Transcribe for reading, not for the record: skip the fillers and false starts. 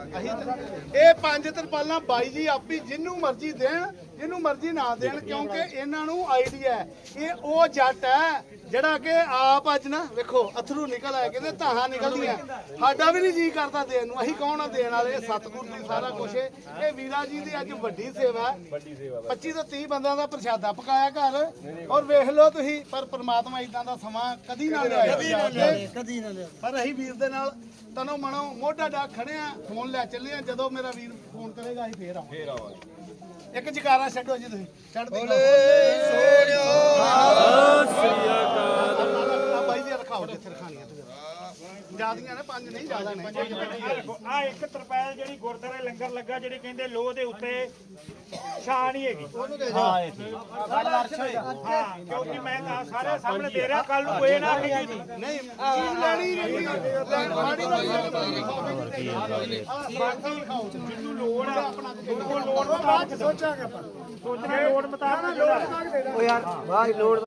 ਇਹ 5 ਤਰਪਾਲਾਂ ਬਾਈ ਜੀ ਆਪੀ ਜਿੰਨੂੰ ਮਰਜ਼ੀ ਦੇਣ ਜਿਹਨੂੰ ਮਰਜ਼ੀ ਨਾ ਦੇਣ ਕਿਉਂਕਿ ਇਹਨਾਂ ਨੂੰ ਆਈਡੀਆ ਇਹ ਉਹ ਜੱਟ ਹੈ ਜਿਹੜਾ ਕਿ ਆਪ ਅੱਜ ਨਾ ਵੇਖੋ ਅਥਰੂ ਨਿਕਲ ਆਏ ਕਹਿੰਦੇ ਧਾਹਾਂ ਨਿਕਲਦੀਆਂ ਸਾਡਾ ਵੀ ਨਹੀਂ ਜੀ ਕਰਦਾ ਦੇਣ ਨੂੰ ਅਸੀਂ ਕੌਣ ਆ ਦੇਣ ਵਾਲੇ ਸਤਿਗੁਰ ਦੀ ਸਾਰਾ ਕੁਝ ਇਹ ਵੀਰਾ ਜੀ ਦੀ ਅੱਜ ਵੱਡੀ ਸੇਵਾ 25 ਤੋਂ 30 ਬੰਦਿਆਂ ਦਾ ਪ੍ਰਸ਼ਾਦਾ ਪਕਾਇਆ ਘਰ ਔਰ ਵੇਖ ਲਓ ਤੁਸੀਂ ਪਰ ਪ੍ਰਮਾਤਮਾ ਇਦਾਂ ਦਾ ਸਮਾਂ ਕਦੀ ਨਾ ਲਿਆਇਆ ਕਦੀ ਨਾ ਲਿਆ ਪਰ ਅਸੀਂ ਵੀਰ ਦੇ ਨਾਲ ਤਨੋਂ ਮਨੋਂ ਮੋਢਾ ਡਾ ਖੜੇ ਆ ਫੋਨ ਲੈ ਚੱਲੇ ਆ ਜਦੋਂ ਮੇਰਾ ਵੀਰ ਫੋਨ ਕਰੇਗਾ ਅਸੀਂ ਫੇਰ ਆਵਾਂਗੇ ਇੱਕ ਜਕਾਰਾ ਛੱਡੋ ਜੀ ਤੁਸੀਂ ਛੱਡ ਦੇ ਬਾਈ ਜੀ ਰਖਾਓ ਜਿੱਥੇ ਰਖਾਣੀਆਂ ਜਿਆਦੀਆਂ ਨੇ 5 ਨਹੀਂ ਜ਼ਿਆਦਾ ਨੇ ਆ ਇੱਕ ਤਰਪਾਲ ਜਿਹੜੀ ਗੁਰਦੁਆਰੇ ਲੰਗਰ ਲੱਗਾ ਜਿਹੜੀ ਕਹਿੰਦੇ ਲੋਹ ਦੇ ਉੱਤੇ ਛਾਂ ਨਹੀਂ ਹੈਗੀ ਹਾਂ ਕਿਉਂਕਿ ਮੈਂ ਤਾਂ ਸਾਰੇ ਸਾਹਮਣੇ ਦੇ ਰਿਹਾ ਕੱਲ ਨੂੰ ਕੋਈ ਨਾ ਨਹੀਂ ਚੀਜ਼ ਲੈਣੀ ਨਹੀਂ ਮਾੜੀ ਜਿਹਨੂੰ ਲੋੜ ਆ ਉਹ ਲੋੜ ਮੁਤਾਬਕ ਸੋਚਾਂਗੇ ਆਪਾਂ ਸੋਚਣਾ ਲੋੜ ਮੁਤਾਬਕ ਉਹ ਯਾਰ ਵਾਹ ਲੋੜ